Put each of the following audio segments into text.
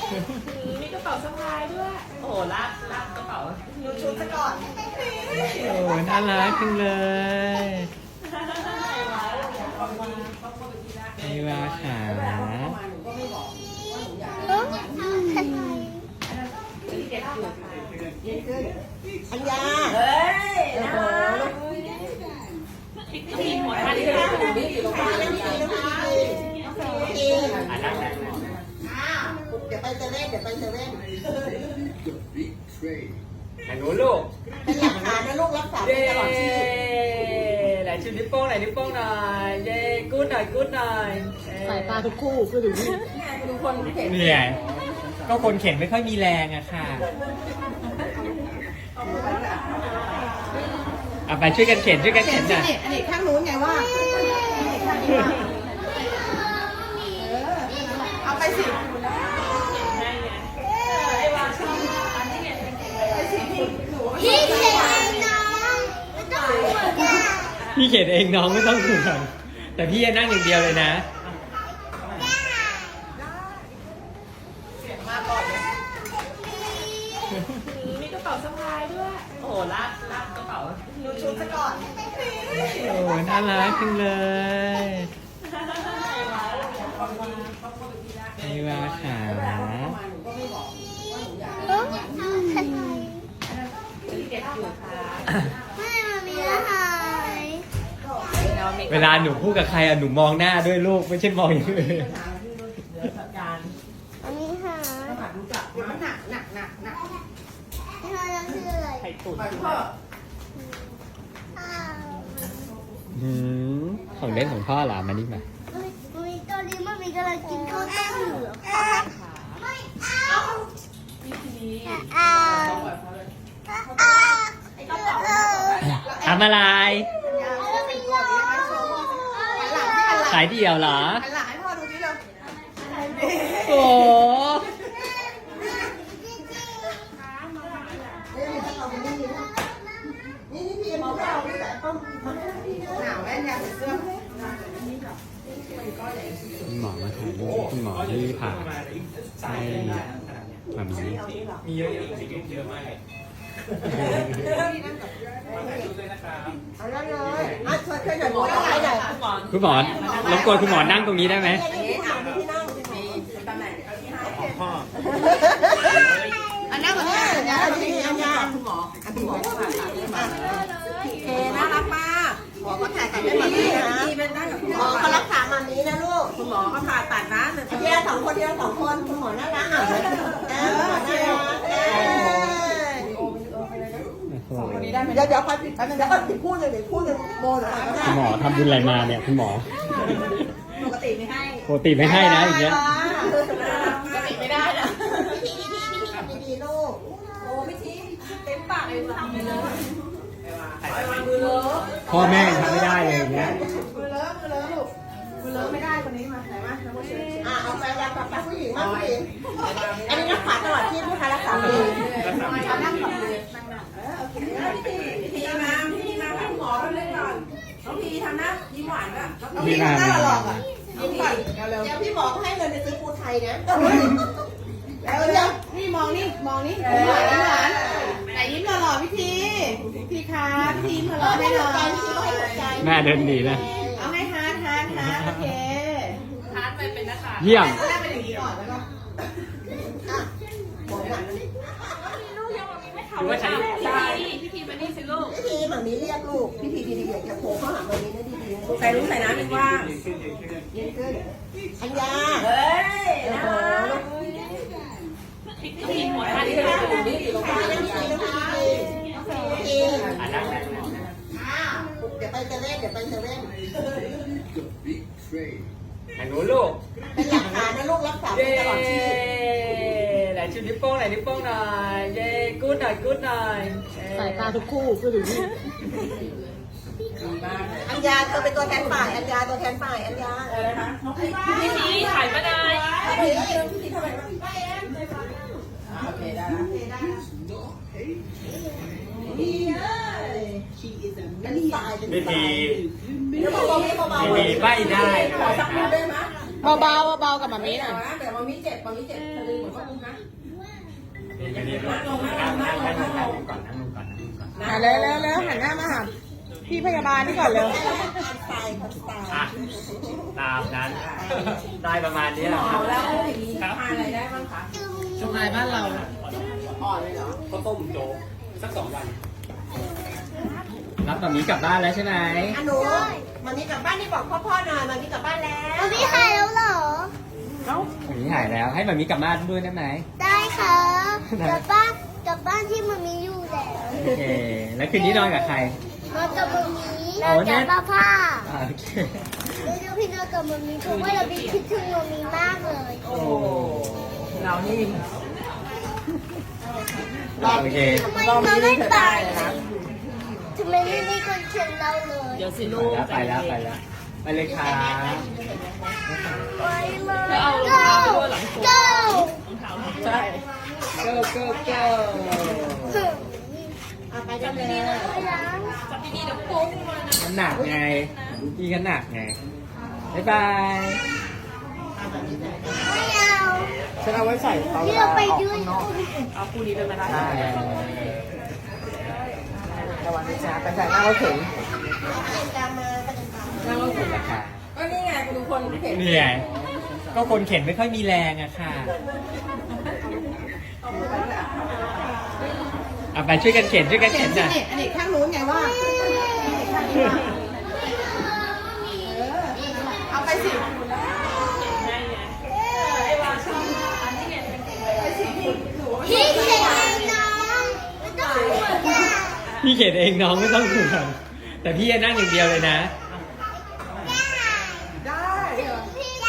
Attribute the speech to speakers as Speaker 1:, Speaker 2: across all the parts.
Speaker 1: มีกระเป๋าสะพายด้วยโอ้โหลากกระเป๋าดูชุดซะก่อน
Speaker 2: โอ้น่ารักจังเลยไอวาขา
Speaker 3: อัญญา
Speaker 1: เฮ้ยนะพี่หัวท่านี่เลย
Speaker 3: เดี๋ยวไปเซเว่น
Speaker 2: ไหนหนูลูก
Speaker 3: เป็นหลักฐานนะลูกรักษาไปตลอดชีวิต
Speaker 2: ไหนชูนิ้วโป้งหน่อยเย้กู๊ดหน่อย
Speaker 3: สายตาทุกคู่คือถึงนี่
Speaker 1: ดูคนเห็น
Speaker 2: เหนื่อยก็คนเข็นไม่ค่อยมีแรงอะค่ะเอาไปช่วยกันเข็นหน่อย
Speaker 3: อันนี้ข้างนู้นไงว่าเอาไปสิ
Speaker 2: พี่เข็นเองน้องไม่ต้องห่วงแต่พี่จะนั่งอย่างเดียวเลยนะ
Speaker 1: มีกระเป๋าสะพายด้วยโอ้โหลากกระเป๋าดูชุดซะก่อน
Speaker 2: โอ้น่ารักจังเลยไอวาขาเวลาหนูพูดกับใครอะหนูมองหน้าด้วยลูกไม่ใช่มองอย่างอื่น
Speaker 4: อันนี้ค่ะ
Speaker 3: มันหนัก
Speaker 4: ที่เราจะชื่ออะไร
Speaker 1: ไข่ตุ๋น
Speaker 2: ของเล่นของพ่อเหรอมานี่มา
Speaker 4: มีตอนนี้มันมีกำลังกินข้าวต้มอยู่เหรอไม่เอา
Speaker 2: ทำอะไร
Speaker 4: ไม่ยอม
Speaker 2: สายเดี่ยวเหรอ
Speaker 3: หันหลังให้พ่อดูสิเร็ว
Speaker 2: โอ้
Speaker 3: นี่พี่มองไม่เอาพี่แต่ป้อมหนาวแม่เนี่ยเสื้อ
Speaker 2: คุณหมอมาถ่ายรูปคุณหมอที่ผ่าให้มามี
Speaker 1: มีเยอะๆจริงๆเยอะมากเลย
Speaker 3: เอาแล้วเลยช่วยหน่อยหมอต้องไปหน่อย
Speaker 2: คุณหมอรบกวนคุณหมอนั่งตรงนี้ได้ไหม
Speaker 3: พี่นั่งตำแหน่งพ่ออันนั้นเหมือนกันอันยาคุณหมอเคน่ารักมากหมอก็ถ่ายกับแม่แบบนี้นะหมอก็รักษาแบบนี้นะลูกคุณหมอก็ผ่าตัดนะเทียสองคนคุณหมอน่ารักน่ารักเดี๋ยวค่อยผิดพูดเลยโมเลย
Speaker 2: คุณหมอทำบุญอะไรมาเนี่ยคุณหมอ
Speaker 3: ปกติไม่ให้
Speaker 2: ปกติไม่ให้นะอย่างเงี้ย
Speaker 3: ปกติไม่ได้นะพี่ทำดีๆลูกโอ้ไม่ทิ้งเต็มปากเลยทำไปเลยมือเลอะ
Speaker 2: พ่อแม่ยังทำไม่ได้เลยอย่างเงี้ย
Speaker 3: มือเลอะลูกมือเลอะไม่ได้คนนี้มาไหนมาเอาไปแล้วปะผู้หญิงมาผู้หญิงอันนี้รักษาตลอดที่ผู้ค้ารักษาดีเอานั่งกับมือโอเคพี่มาให้หมอไปเลยก่อนน้องพีทำนะยิ้มหวานอ่ะน้องพีทำหน้าหลอกอ่ะยิ้มก่อนเดี๋ยวพี่หมอให้เงินไปซื้อปูไทยนะแล้วนี่มองนี่ยิ้มหวานไหนยิ้มหล่อพี่คะพี่ยิ้มหล่อให้หน่อย
Speaker 2: แม่เดินหนีนะ
Speaker 3: เอาให้ฮาร์ดโอเค
Speaker 1: ทานไปเป็นนะคะ
Speaker 2: เยี่ยม
Speaker 3: แรกเป็นอย่างนี้ก่อนแล้วก็บอกหนัก
Speaker 1: หรือว่าใช้พี่ทีมานี่สิลูก
Speaker 3: พี่ทีแบบนี้เรียกลูกพี่ทีดีๆอย่าโผล่เข้าหาแบบนี้นะดีๆใส่ลูกใส่น้ำดีกว่าเย็นขึ้นอัญญา
Speaker 1: เฮ้ยนะพี่หัวท่านี่เลย
Speaker 3: เดี๋ยวไปเซเว่น
Speaker 2: ไหนหนูลูก
Speaker 3: เป็นหลักฐานนะลูกรักษาไปตลอดชีวิต
Speaker 2: ไหนชูนิ้วโป้งหน่อยเย้กู๊ดหน่อย
Speaker 3: สายตาทุกคู่คือถึงนี่อัญญาเธอเป็นตัวแทนฝ่ายอัญญาอะไรนะ
Speaker 1: พี่ทีถ่ายมาได้
Speaker 3: พี่ทีทำไมโอเคได้เป็นสาย
Speaker 2: พี่ที
Speaker 3: เดี๋ยวเบาๆ
Speaker 2: พี่ทีใบ้ได้
Speaker 3: ขอสักนิดได้ไหมเบาๆเบาๆกับมามีหน่อยเดี๋ยวมามีเจ็บมามีเจ็บทะลึ่งเหมือนว่ามึงนะ
Speaker 2: นั่งลงก่อนนั่งลงก่อนนั่งลงก่อน
Speaker 3: เร็วหันหน้ามาหาพี่พยาบาลนี่ก่อนเร็ว
Speaker 2: อ่ะตามนั้นได้ประมาณนี้แหละครับ
Speaker 3: แล้วอย่างนี้ทานอะไรได้บ้างคะ
Speaker 1: สบายบ้านเรา
Speaker 3: อ่อนเลยเหรอ
Speaker 2: ข้าวต้มโจ๊กสัก2 วันรับแบบนี้กลับบ้านแล้วใช่ไหม
Speaker 3: อ่ะหนูมามีกลับบ้านนี่บอกพ่อหน่อยมามีกลับบ้านแล้ว
Speaker 4: มันไม่หายแล้วเหรอ
Speaker 2: แบบนี้หายแล้วให้แบบนี้กลับบ้านด้วยได้ไหม
Speaker 4: ได้ค่ะกลับบ้านที่มันมีอยู่แล้ว
Speaker 2: โอเคแล้วคืนนี้นอนกับใคร
Speaker 4: นอนกับมันมี
Speaker 2: โอ้
Speaker 4: นอน
Speaker 2: เนี่
Speaker 4: กับ
Speaker 2: ย
Speaker 4: ป้า
Speaker 2: โอเค
Speaker 4: เดี๋ยวพี่นอนกับมันมีเพราะว่าเราพี่คิดถึงมันมีมากเลย
Speaker 3: โอ้เรานี่
Speaker 2: โอเค
Speaker 4: ทำไมเราไม่ไปทำไมไม่มีคนเขียนเราเลย
Speaker 1: เดี๋ยวสิลูก
Speaker 2: ไปแล้วไปเลยค่ะ
Speaker 4: ไปเลย
Speaker 1: แล้วเอารองเท้าไปด้วยหลังสุด
Speaker 4: go
Speaker 1: รองเท้า
Speaker 3: ใช่
Speaker 2: go go go
Speaker 3: ไปกันเลย
Speaker 1: จับดีๆเดี๋ยวปุ้งมานะ
Speaker 2: มันหนักไงพี่ก็หนักไงบ๊ายบาย
Speaker 4: ไม่เอา
Speaker 3: ฉันเอาไว้ใส่เขา
Speaker 4: ที่เราไปด้วย
Speaker 1: เอาคู่นี้เลยไหมล่ะ
Speaker 2: ใช่
Speaker 3: ระวังนะจ๊ะไปใส่หน้ารถเข็น
Speaker 2: นั่งรถเข็นราคา
Speaker 3: ก็นี่ไงคุณคนเข็น
Speaker 2: นี่ไงก็คนเข็นไม่ค่อยมีแรงอะค่ะเอาไปช่วยกันเข็นหน่อย
Speaker 3: อันนี้ข้างนู้นไงว่าเอาไปสิ
Speaker 4: พี่เขียนน้องไม่ต้องห่วงจ้ะ
Speaker 2: พี่เข็นเองน้องไม่ต้องห่วงแต่พี่จะนั่งอย่างเดียวเลยนะ
Speaker 3: ได้
Speaker 4: พี่ได้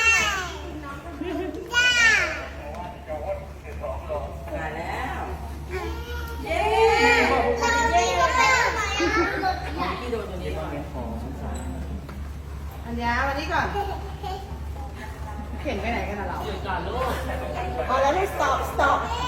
Speaker 3: ได้แล้วเย้
Speaker 4: เราไม่รู้ว่า
Speaker 3: พี่โดนตัวนี้ก่อนอันยาวันนี้ก่อนเข็นไปไหนกันล่ะเรา
Speaker 1: ก่อนลูก
Speaker 3: อ๋อแล้วให้ stop